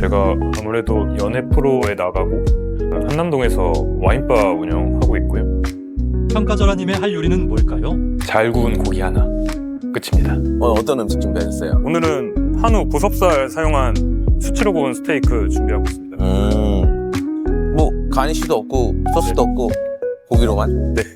제가 아무래도 연애 프로에 나가고 한남동에서 와인바 운영하고 있고요. 평가절하님의 할 요리는 뭘까요? 잘 구운 고기 하나. 끝입니다. 어떤 음식 준비하셨어요? 오늘은 한우 보섭살 사용한 수치로 구운 스테이크 준비하고 있습니다. 뭐 가니쉬도 없고 소스도 없고 고기로만? 네.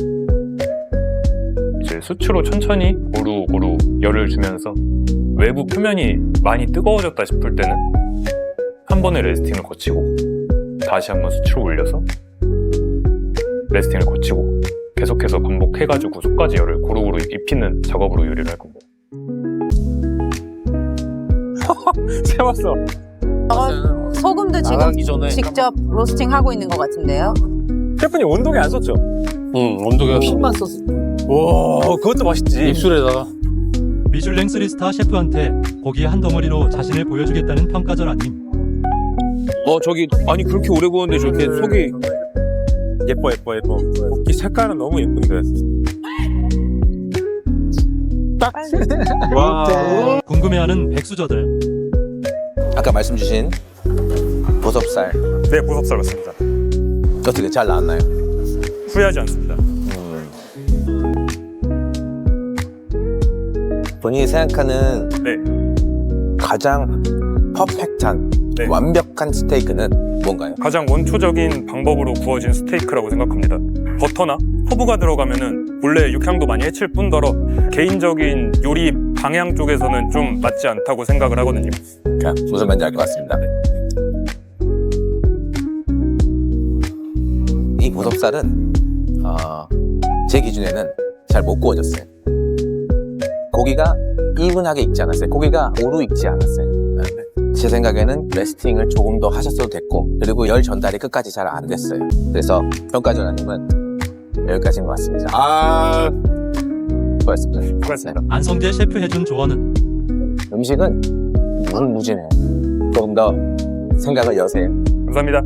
이제 수치로 천천히 고루고루 열을 주면서 외부 표면이 많이 뜨거워졌다 싶을 때는 한 번에 레스팅을 거치고 다시 한번 수치로 올려서 레스팅을 거치고 계속해서 반복해가지고 속까지 열을 고루고루 입히는 작업으로 요리를 할 겁니다. 세웠어. 소금도 나가기 지금 전에 직접 로스팅 하고 있는 것 같은데요. 셰프님 온도계 안 썼죠? 온도가 핀만 썼어. 와, 그것도 맛있지. 입술에다가. 미슐랭 3스타 셰프한테 고기 한 덩어리로 자신을 보여주겠다는 평가절하님. 저기 아니 그렇게 오래 구웠는데 저렇게 속이 예뻐. 고기 색깔은 너무 예쁜데. 딱. 와. 궁금해하는 백수저들. 아까 말씀 주신 보섭살 네, 보섭살 맞습니다. 어떻게 잘 나왔나요? 후회하지 않습니다. 본인이 생각하는 네, 가장 퍼펙트한 네. 완벽한 스테이크는 뭔가요? 가장 원초적인 방법으로 구워진 스테이크라고 생각합니다. 버터나 허브가 들어가면은 본래 육향도 많이 해칠 뿐더러 개인적인 요리 방향 쪽에서는 좀 맞지 않다고 생각을 하거든요. 무슨 말인지 알 것 같습니다. 이 보섭살은 제 기준에는 잘 못 구워졌어요. 고기가 이분하게 익지 않았어요. 고기가 오로 익지 않았어요. 제 생각에는 레스팅을 조금 더 하셨어도 됐고, 그리고 열 전달이 끝까지 잘 안 됐어요. 그래서 평가전화님은 여기까지인 것 같습니다. 수고하셨습니다. 수고하셨습니다. 안성재 셰프 해준 조언은 음식은 무궁무진해요. 조금 더 생각을 여세요. 감사합니다.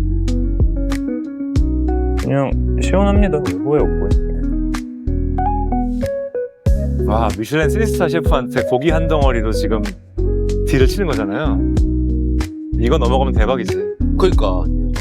그냥 시원합니다. 후회 없고요. 와, 미슐랭 3스타 셰프한테 고기 한 덩어리로 지금 딜을 치는 거잖아요. 이거 넘어가면 대박이지. 그러니까